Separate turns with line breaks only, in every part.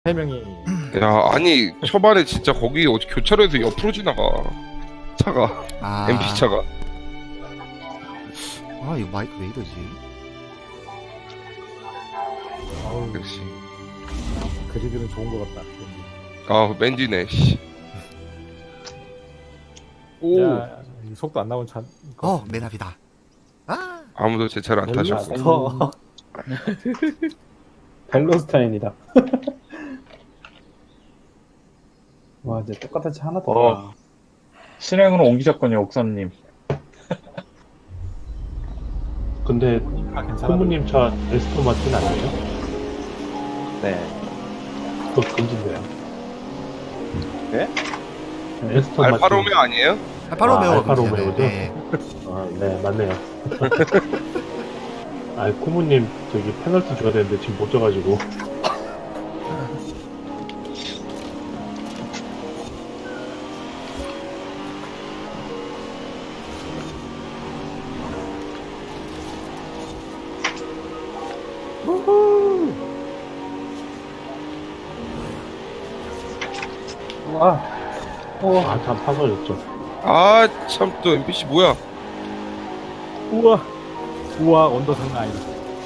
세 명이.
야, 아니 초반에 진짜 거기 어디 교차로에서 옆으로 지나가 차가.
아,
NPC 차가.
아 이거 마이크 왜 이러지?
아우,
역시.
그리드는 좋은 것 같다.
아, 맨디네. 씨. 오.
야, 이 속도 안 나온 차.
맨앞이다. 아,
아무도 제 차를 안 타셨고.
벨로스타인이다. 와, 이제 똑같은 차 하나도
어.
없다.
실행으로 옮기셨군요, 옥선님.
근데
괜찮아.
부모님 차 에스토 마틴 아니에요?
네.
그거 금지인데요.
네?
에스토
알파
마틴.
로메오 아니에요?
알파로메오.
알파 로메오죠?
네.
아, 네, 맞네요. 아, 쿠무님 저기 페널티 줘야 되는데 지금 못 줘가지고.
와,
아, 다 파서졌죠.
아, 참 또 NPC 뭐야?
우와. 우와, 언더 장난 아니다.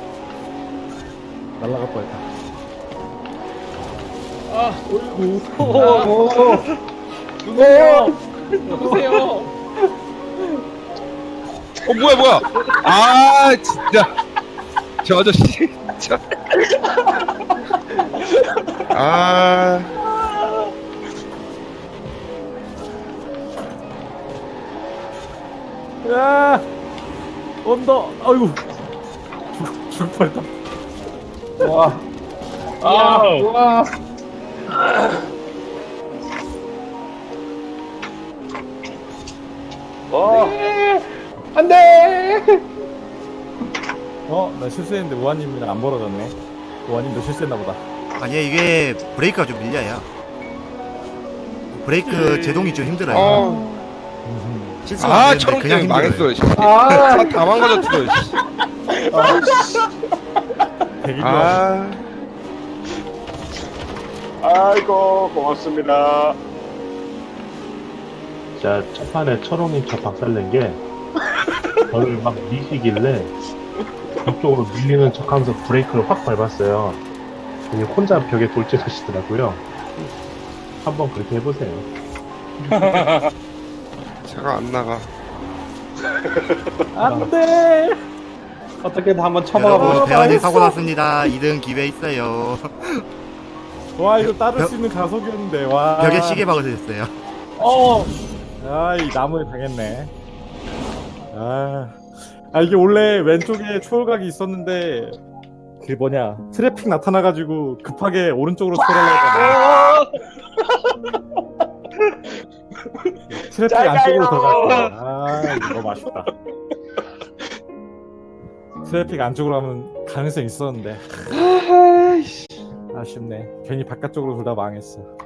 날라갈 뻔했다.
뭐야? 아, 진짜. 저 아저씨 진짜. 아.
야, 언더. 아이고. 죽을 뻔했다.
와,
아,
안 돼!
나 실수했는데 우아님이랑 안 벌어졌네. 우아님도 실수했나 보다.
아니 이게 브레이크가 좀 밀려요. 브레이크 제동이 좀 힘들어요.
어.
실수가
아,
안 되는데
초록
그냥
때문에
힘들어요.
망했어. 씨. 다 망가졌어. 씨.
되게 좋아.
아.
아이고, 고맙습니다.
자, 첫 판에 철옹님 차 박살낸 게 저를 막 미시길래 벽쪽으로 밀리는 척하면서 브레이크를 확 밟았어요. 그냥 혼자 벽에 돌진하시더라고요. 한번 그렇게 해보세요.
차가 안 나가.
안 돼.
어떻게든 한번 쳐박아 보고
여러분
싶다.
배환이 사고 났습니다. 2등 기회 있어요.
와, 이거 따를 수 있는 가속이었는데. 와.
벽에 시계 박으셨어요.
이 나무에 당했네. 이게 원래 왼쪽에 초월각이 있었는데 그 뭐냐 트래픽 나타나가지고 급하게 오른쪽으로 초월하려다가 트래픽 안쪽으로 들어갔어. 이거 너무 아쉽다. 트래픽 안쪽으로 하면 가능성 있었는데 아쉽네. 괜히 바깥쪽으로 둘 다 망했어.